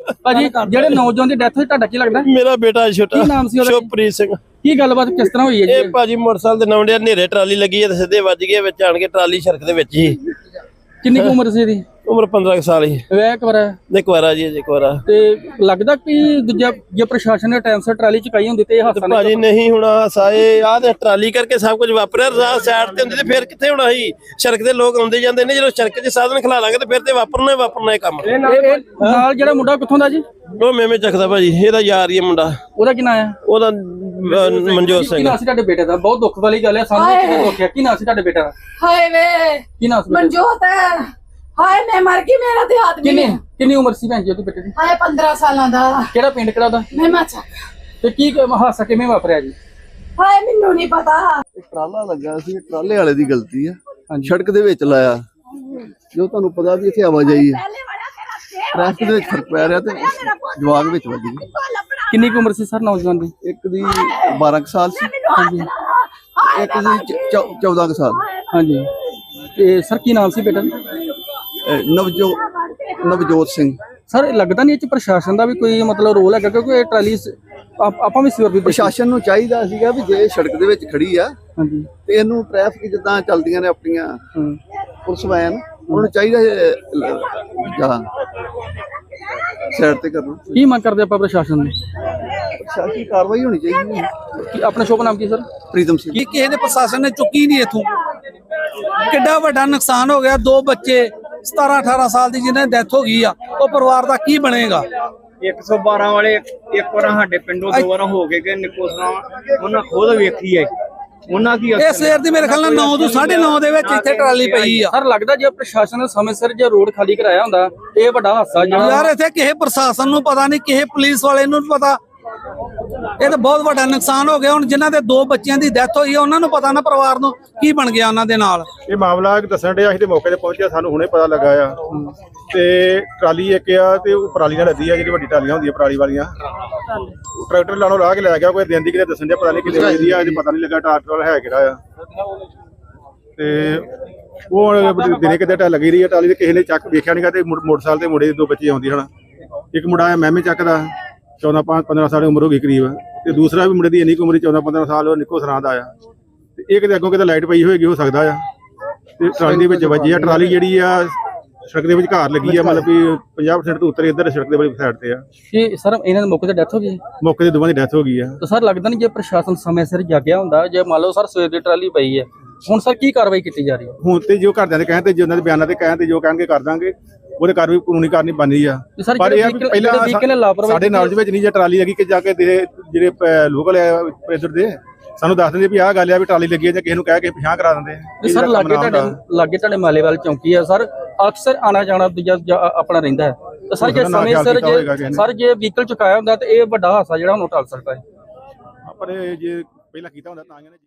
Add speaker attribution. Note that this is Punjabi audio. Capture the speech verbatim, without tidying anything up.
Speaker 1: ਭਾਜੀ ਜਿਹੜੇ ਨੌਜਵਾਨ ਦੀ ਡੈਥ ਹੋਈ ਤੁਹਾਡਾ ਕੀ ਲੱਗਦਾ?
Speaker 2: ਮੇਰਾ ਬੇਟਾ ਛੋਟਾ
Speaker 1: ਕੀ ਨਾਮ ਸੀ ਉਹਦਾ?
Speaker 2: ਸ਼ੁਭਪ੍ਰੀਤ ਸਿੰਘ।
Speaker 1: ਕੀ ਗੱਲਬਾਤ ਕਿਸ ਤਰ੍ਹਾਂ ਹੋਈ ਹੈ ਜੀ?
Speaker 2: ਇਹ ਭਾਜੀ ਮੋਟਰਸਾਈਕਲ ਦੇ ਨੌਂਡੇ ਹਨੇਰੇ ਟਰਾਲੀ ਲੱਗੀ ਹੈ ਤੇ ਸਿੱਧੇ ਵੱਜ ਗਏ ਵਿੱਚ ਆਣ ਕੇ ਟਰਾਲੀ ਸੜਕ ਦੇ ਵਿੱਚ ਹੀ।
Speaker 1: ਕਿੰਨੀ ਕੁ ਉਮਰ ਸੀ ਇਹਦੀ?
Speaker 2: ਉਮਰ ਪੰਦਰਾਂ ਸਾਲ ਹੀ।
Speaker 1: ਵਿਆਹ ਇੱਕ ਵਾਰ
Speaker 2: ਇੱਕ ਵਾਰਾ ਜੀ ਇੱਕ ਵਾਰਾ।
Speaker 1: ਤੇ ਲੱਗਦਾ ਕਿ ਦੂਜਾ ਜੇ ਪ੍ਰਸ਼ਾਸਨ ਨੇ ਟਾਈਮ ਸਿਰ ਟਰਾਲੀ ਚੁਕਾਈ ਹੁੰਦੀ ਤੇ ਇਹ ਹਾਦਸਾ
Speaker 2: ਭਾਜੀ ਨਹੀਂ ਹੋਣਾ ਸਾਏ ਆਹ ਤੇ ਟਰਾਲੀ ਕਰਕੇ ਸਭ ਕੁਝ ਵਾਪਰਿਆ। ਰਾਹ ਸਾਈਡ ਤੇ ਹੁੰਦੀ ਤੇ ਫਿਰ ਕਿੱਥੇ ਹੋਣਾ ਸੀ? ਸੜਕ ਦੇ ਲੋਕ ਆਉਂਦੇ ਜਾਂਦੇ ਨੇ, ਜਦੋਂ ਸੜਕ 'ਚ ਸਾਧਨ ਖਲਾ ਲਾਂਗੇ ਤੇ ਫਿਰ ਤੇ ਵਾਪਰਨਾ ਹੀ ਵਾਪਰਨਾ ਇਹ ਕੰਮ।
Speaker 1: ਨਾਲ ਜਿਹੜਾ ਮੁੰਡਾ ਕਿੱਥੋਂ ਦਾ ਜੀ?
Speaker 2: ਉਹ ਮੇਵੇਂ ਚੱਕਦਾ ਭਾਜੀ, ਇਹਦਾ ਯਾਰ ਹੀ ਮੁੰਡਾ।
Speaker 1: ਉਹਦਾ ਕੀ ਨਾਂ ਹੈ?
Speaker 2: ਉਹਦਾ ਅਹ, ਮਨਜੋਤ
Speaker 1: ਕੀ
Speaker 2: ਸਿੰਘ।
Speaker 1: ਨਾਂ ਸੀ ਤੁਹਾਡੇ ਬੇਟੇ ਦਾ? ਬਹੁਤ ਦੁੱਖ ਵਾਲੀ ਗੱਲ ਹੈ ਸਾਨੂੰ ਕਿਹਨੇ ਦੁੱਖਿਆ। ਕੀ ਨਾਂ ਸੀ ਤੁਹਾਡੇ ਬੇਟੇ ਦਾ?
Speaker 3: ਹਾਏ ਵੇ
Speaker 1: ਕੀ ਨਾਂ ਸੀ?
Speaker 3: ਮਨਜੋਤ ਹੈ। ਹਾਏ ਮੈਂ ਮਰ ਗਈ, ਮੇਰਾ ਤੇ ਆਦਮੀ
Speaker 1: ਕਿੰਨੀ ਕਿੰਨੀ ਉਮਰ ਸੀ ਭੈਣ ਜੀ ਉਹਦੇ ਬੇਟੇ ਦੀ?
Speaker 3: ਹਾਏ ਪੰਦਰਾਂ ਸਾਲਾਂ ਦਾ।
Speaker 1: ਕਿਹੜਾ ਪਿੰਡ ਕਿਹੜਾ ਉਹਦਾ?
Speaker 3: ਮੈਂ ਮਾਚਾ।
Speaker 1: ਤੇ ਕੀ ਹਾਦਸਾ ਕਿਵੇਂ ਵਾਪਰਿਆ ਜੀ?
Speaker 3: ਹਾਏ ਮੈਨੂੰ ਨਹੀਂ ਪਤਾ।
Speaker 4: ਟਰਾਲਾ ਲੱਗਾ ਸੀ, ਟਰਾਲੇ ਵਾਲੇ ਦੀ ਗਲਤੀ ਆ। ਸੜਕ ਦੇ ਵਿੱਚ ਲਾਇਆ, ਜੋ ਤੁਹਾਨੂੰ ਪਤਾ ਵੀ ਇੱਥੇ ਆਵਾਜਾਈ ਹੈ, ਟ੍ਰੈਫਿਕ ਦੇ ਵਿੱਚ ਫਰਕ ਪੈ ਰਿਹਾ ਤੇ ਜਵਾਗ ਵਿੱਚ ਵੱਜ ਗਈ।
Speaker 1: ਕਿੰਨੀ ਕੁ ਉਮਰ ਸੀ ਸਰ ਨੌਜਵਾਨ ਦੀ?
Speaker 4: ਇੱਕ ਦੀ ਬਾਰਾਂ ਕੁ ਸਾਲ ਸੀ, ਇੱਕ ਦੀ ਚੌਦਾਂ ਕੁ ਸਾਲ।
Speaker 1: ਹਾਂਜੀ ਤੇ ਸਰ ਕੀ ਨਾਮ ਸੀ ਬੇਟਾ ਦਾ?
Speaker 4: ਅਹ ਨਵਜੋ ਨਵਜੋਤ ਸਿੰਘ।
Speaker 1: ਸਰ ਲੱਗਦਾ ਨਹੀਂ ਇਹ ਚ ਪ੍ਰਸ਼ਾਸਨ ਦਾ ਵੀ ਕੋਈ ਮਤਲਬ ਰੋਲ ਹੈਗਾ, ਕਿਉਂਕਿ ਇਹ ਟਰਾਲੀ ਆਪ- ਆਪਾਂ ਵੀ ਸਿਰ ਵੀ
Speaker 4: ਪ੍ਰਸ਼ਾਸਨ ਨੂੰ ਚਾਹੀਦਾ ਸੀਗਾ ਵੀ ਜੇ ਸੜਕ ਦੇ ਵਿੱਚ ਖੜੀ ਆ
Speaker 1: ਹਾਂਜੀ
Speaker 4: ਤੇ ਇਹਨੂੰ ਟ੍ਰੈਫਿਕ ਜਿੱਦਾਂ ਚੱਲਦੀਆਂ ਨੇ ਆਪਣੀਆਂ
Speaker 1: ਹੂੰ
Speaker 4: ਪੁਲਿਸ ਵੈਨ, ਉਹਨੂੰ ਚਾਹੀਦਾ ਜਾਂ ਸਾਈਡ ਤੇ ਕਰਨਾ।
Speaker 1: ਕੀ ਮੰਗ ਕਰਦੇ ਆਪਾਂ ਪ੍ਰਸ਼ਾਸਨ ਨੂੰ?
Speaker 4: ਪ੍ਰਸ਼ਾਸਨੀ ਕਾਰਵਾਈ ਹੋਣੀ ਚਾਹੀਦੀ ਹੈ।
Speaker 1: ਕੀ ਆਪਣਾ ਸ਼ੁਭ ਨਾਮ ਕੀ ਸਰ?
Speaker 4: ਪ੍ਰੀਤਮ ਸਿੰਘ।
Speaker 5: ਕੀ ਕਿਸੇ ਨੇ ਪ੍ਰਸ਼ਾਸਨ ਨੇ ਚੁੱਕੀ ਨਹੀਂ ਇਥੋਂ? ਕਿੱਡਾ ਵੱਡਾ ਨੁਕਸਾਨ ਹੋ ਗਿਆ। ਦੋ ਬੱਚੇ ਸਤਾਰਾਂ ਅਠਾਰਾਂ ਸਾਲ ਦੀ ਜਿਹਨਾਂ ਦੀ ਡੈਥ ਹੋ ਗਈ ਆ, ਉਹ ਪਰਿਵਾਰ ਦਾ ਕੀ ਬਣੇਗਾ?
Speaker 6: ਇੱਕ ਸੌ ਬਾਰਾਂ ਵਾਲੇ ਇੱਕ ਵਾਰ ਸਾਡੇ ਪਿੰਡੋਂ ਦੋ ਵਾਰ ਹੋ ਕੇ ਗਏ ਨਿਕੋਸਰਾ, ਉਹਨਾਂ ਖੁਦ ਵੇਖੀ ਹੈ ਉਹਨਾਂ ਕੀ
Speaker 5: ਇਹ ਸਵੇਰ ਦੀ ਮੇਰੇ ਖਿਆਲ ਨਾਲ ਨੌ ਤੋਂ ਸਾਢੇ ਨੌ ਦੇ ਵਿੱਚ ਇੱਥੇ ਟਰਾਲੀ ਪਈ ਆ।
Speaker 1: ਸਰ ਲੱਗਦਾ ਜੇ ਪ੍ਰਸ਼ਾਸਨ ਨੇ ਸਮੇਂ ਸਿਰ ਜੇ ਰੋਡ ਖਾਲੀ ਕਰਾਇਆ ਹੁੰਦਾ ਇਹ ਵੱਡਾ ਹਾਦਸਾ ਜਿਹੜਾ
Speaker 5: ਯਾਰ ਇੱਥੇ ਕਿਸੇ ਪ੍ਰਸ਼ਾਸਨ ਨੂੰ ਪਤਾ ਨਹੀਂ, ਕਿਸੇ ਪੁਲਿਸ ਵਾਲੇ ਨੂੰ ਪਤਾ। ਇਹ ਤਾਂ ਬਹੁਤ ਵੱਡਾ ਨੁਕਸਾਨ ਹੋ ਗਿਆ। ਹੁਣ ਜਿਨ੍ਹਾਂ ਦੇ ਦੋ ਬੱਚਿਆਂ ਦੀ ਡੈਥ ਹੋਈ ਆ ਉਹਨਾਂ ਨੂੰ ਪਤਾ ਨਾ ਪਰਿਵਾਰ ਨੂੰ ਕੀ ਬਣ ਗਿਆ ਉਹਨਾਂ ਦੇ ਨਾਲ।
Speaker 7: ਇਹ ਮਾਮਲਾ ਦੱਸਣ ਡਿਆ, ਅਸੀਂ ਤੇ ਮੌਕੇ ਤੇ ਪਹੁੰਚਿਆ, ਸਾਨੂੰ ਹੁਣੇ ਪਤਾ ਲੱਗਾ ਆ। ਤੇ ਟਰਾਲੀ ਇੱਕ ਆ ਤੇ ਉਹ ਪਰਾਲੀ ਨਾਲ ਲੱਦੀ ਆ, ਜਿਹੜੀ ਵੱਡੀ ਟਰਾਲੀਆਂ ਹੁੰਦੀਆਂ ਪਰਾਲੀ ਵਾਲੀਆਂ। ਟਰੈਕਟਰ ਲਾਣੋਂ ਲਾ ਕੇ ਲੈ ਗਿਆ, ਕੋਈ ਦਿਨ ਦੀ ਕਿਤੇ ਦੱਸਣ ਡਿਆ, ਪਤਾ ਨਹੀਂ ਕਿਤੇ ਵਜਦੀ ਆ, ਪਤਾ ਨਹੀਂ ਲੱਗਾ ਟਰੈਕਟਰ ਹੈ ਕਿਹੜਾ ਆ। ਤੇ ਉਹ ਦਿਨੇ ਕਿਤੇ ਟਾ ਲੱਗੀ ਰਹੀ ਆ ਟਰਾਲੀ, ਤੇ ਕਿਸੇ ਨੇ ਚੱਕ ਵੇਖਿਆ ਨਹੀਂਗਾ ਤੇ ਮੋਟਰਸਾਈਕਲ ਤੇ ਮੁੰਡੇ ਦੇ ਦੋ ਬੱਚੇ ਆਉਂਦੇ ਹਨ। ਇੱਕ ਮੁੰਡਾ ਆ ਮਹਿਮੇ ਚੱਕ ਦਾ, ਚੌਦਾਂ ਪੰਜ ਪੰਦਰਾਂ ਸਾਲ ਉਮਰ ਹੋ ਗਈ ਕਰੀਬ, ਤੇ ਦੂਸਰਾ ਵੀ ਮੁੰਡੇ ਦੀ ਇੰਨੀ ਕੁ ਉਮਰ ਚੌਦਾਂ ਪੰਦਰਾਂ ਸਾਲ, ਉਹ ਨਿੱਕੋ ਸਰਾਂ ਦਾ ਆ। ਤੇ ਇਹ ਕਿਤੇ ਅੱਗੋਂ ਕਿਤੇ ਲਾਈਟ ਪਈ ਹੋਏਗੀ, ਹੋ ਸਕਦਾ ਆ, ਤੇ ਟਰਾਲੀ ਦੇ ਵਿੱਚ ਵੱਜੀ ਆ। ਟਰਾਲੀ ਜਿਹੜੀ ਆ ਸੜਕ ਦੇ ਵਿੱਚ ਘਾਰ ਲੱਗੀ ਆ, ਮਤਲਬ ਵੀ ਪੰਜਾਹ ਪਰਸੈਂਟ ਤੋਂ ਉੱਤਰ ਇੱਧਰ ਸੜਕ ਦੇ ਵਾਲੀ ਸਾਈਡ ਤੇ ਆ।
Speaker 1: ਕਿ ਸਰ ਇਹਨਾਂ ਦੇ ਮੌਕੇ ਤੇ ਡੈਥ ਹੋ ਗਈ?
Speaker 7: ਮੌਕੇ ਤੇ ਦੋਵਾਂ ਦੀ ਡੈਥ ਹੋ ਗਈ ਆ।
Speaker 1: ਤਾਂ ਸਰ ਲੱਗਦਾ ਨਹੀਂ ਜੇ ਪ੍ਰਸ਼ਾਸਨ ਸਮੇਂ ਸਿਰ ਜਾਗਿਆ ਹੁੰਦਾ, ਜੇ ਮੰਨ ਲਓ ਸਰ ਸਵੇਰ ਦੀ ਟਰਾਲੀ ਪਈ ਹੈ, ਹੁਣ ਸਰ ਕੀ ਕਾਰਵਾਈ ਕੀਤੀ ਜਾ ਰਹੀ ਹੈ?
Speaker 7: ਹੁਣ ਤੇ ਜੋ ਘਰਦਿਆਂ ਦੇ ਕਹਿਣ ਤੇ, ਜੋ ਉਹਨਾਂ ਦੇ ਬਿਆਨਾਂ ਤੇ ਕਹਿਣ ਤੇ ਜੋ ਕਹਿਣਗੇ ਕਰ ਦਾਂਗੇ, ਉਹਦੇ ਕਾਰਵਾਈ ਕਾਨੂੰਨੀ ਕਰਨੀ ਬਣਦੀ ਆ। ਪਰ ਇਹ ਪਹਿਲਾਂ ਸਾਡੇ ਨਾਲ ਵਿੱਚ ਨਹੀਂ ਜੇ ਟਰਾਲੀ ਲੱਗੀ ਕਿ ਜਾ ਕੇ ਜਿਹੜੇ ਲੋਕਲ ਇੱਧਰ ਦੇ ਸਾਨੂੰ ਦੱਸ ਦਿੰਦੇ ਵੀ ਆਹ ਗੱਲ ਆ ਵੀ ਟਰਾਲੀ ਲੱਗੀ ਆ, ਜਾਂ ਕਿਸੇ ਨੂੰ ਕਹਿ ਕੇ ਪਿਛਾਂ ਕਰਾ ਦਿੰਦੇ।
Speaker 1: ਸਰ ਲਾਗੇ ਤੁਹਾਡੇ ਲਾਗੇ ਤੁਹਾਡੇ ਮਾਲੇਵਾਲ ਚੌਂਕੀ ਆ ਸਰ, ਅਕਸਰ ਆਣਾ ਜਾਣਾ ਦੂਜਾ ਆਪਣਾ ਰਹਿੰਦਾ ਹੈ। ਤਾਂ ਸਰ ਜੇ ਸਮੇਂ ਸਿਰ ਜੇ ਸਰ ਜੇ ਵਹੀਕਲ ਚੁਕਾਇਆ ਹੁੰਦਾ ਤਾਂ ਇਹ ਵੱਡਾ ਹਾਦਸਾ ਜਿਹੜਾ ਉਹਨੂੰ ਟਾਲ ਸਕਦਾ ਹੈ।
Speaker 7: ਪਰ ਜੇ ਪਹਿਲਾਂ ਕੀਤਾ ਹੁੰਦਾ ਤਾਂ